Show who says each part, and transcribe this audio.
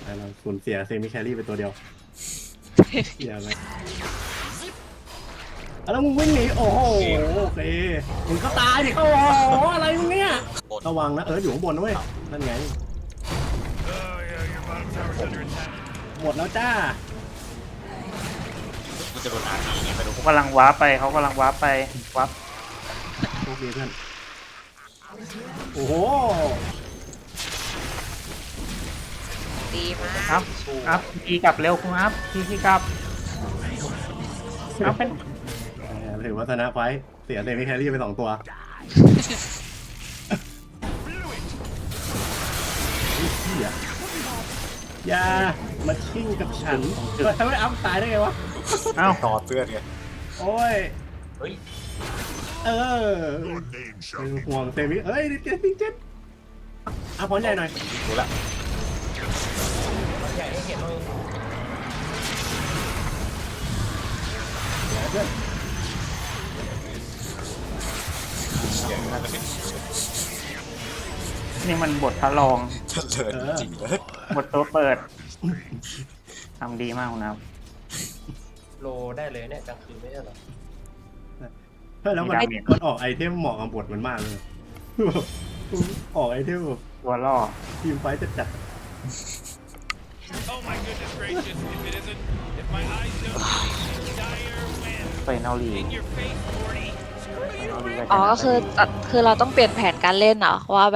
Speaker 1: เราสูญเสียเซมิแครี่ไปตัวเดียวเสียไหมแล้วมึงวิ่งหนีโอ้โหโอเคมึงก็ตายดิโอ้โหอะไรมึงเนี่ยระวังนะอยู่ข้างบนนะเว้ยนั่นไงหมดแล้วจ้า
Speaker 2: กูจะโดนอาทีไงไม่รู้
Speaker 3: เขากำลังวาร์ปไปเขากำลังวาร์ปไปวาร์ป
Speaker 1: โชคดีเพื่อนโอ้โห
Speaker 4: ดีมาก
Speaker 3: อัพทีกลับเร็วคุณอัพทีกลับอัพเป็น
Speaker 1: ถือว่าชนะไฟเสียเซมิแครี่ไป2 ตัวอย่ามาชิ่งกับฉันทำไมอัพตายได้ไงวะ
Speaker 3: เอ้า
Speaker 2: ต่อเตือนไง
Speaker 1: โอ้ย
Speaker 2: เฮ้ย
Speaker 1: เป็นห่วงเซมิดิเจ็ดอ่ะพร้อมใหญ่หน่อย
Speaker 2: ดูละ
Speaker 5: ใหญ่ให้เห็นเลย
Speaker 1: เพื่อน
Speaker 2: เดี๋ยวน่าจะเป็น
Speaker 3: นี่มันบทพระรอง
Speaker 2: เฉลิมจริงเลย
Speaker 3: บทตัวเปิดทำดีมากคุณอัพ
Speaker 5: โลได้เลยเนี่ยกลางคืนไม่ใช่เหรอ
Speaker 1: เพื่อนแล้วมันออกไอเทมเหมาะกับบทมันมากเลยออกไอเทมแบบ
Speaker 3: ตัวล่อ
Speaker 1: ทีมไฟจะจัด
Speaker 6: Oh my goodness gracious, if it isn't, if my eyes don't see dire wind
Speaker 3: ไปเนาลี
Speaker 6: in your face, Morty.
Speaker 3: ไปเนาลี
Speaker 4: อ๋อก็คือเราต้องเปลี่ยนแผนการเล่นเหรอว่า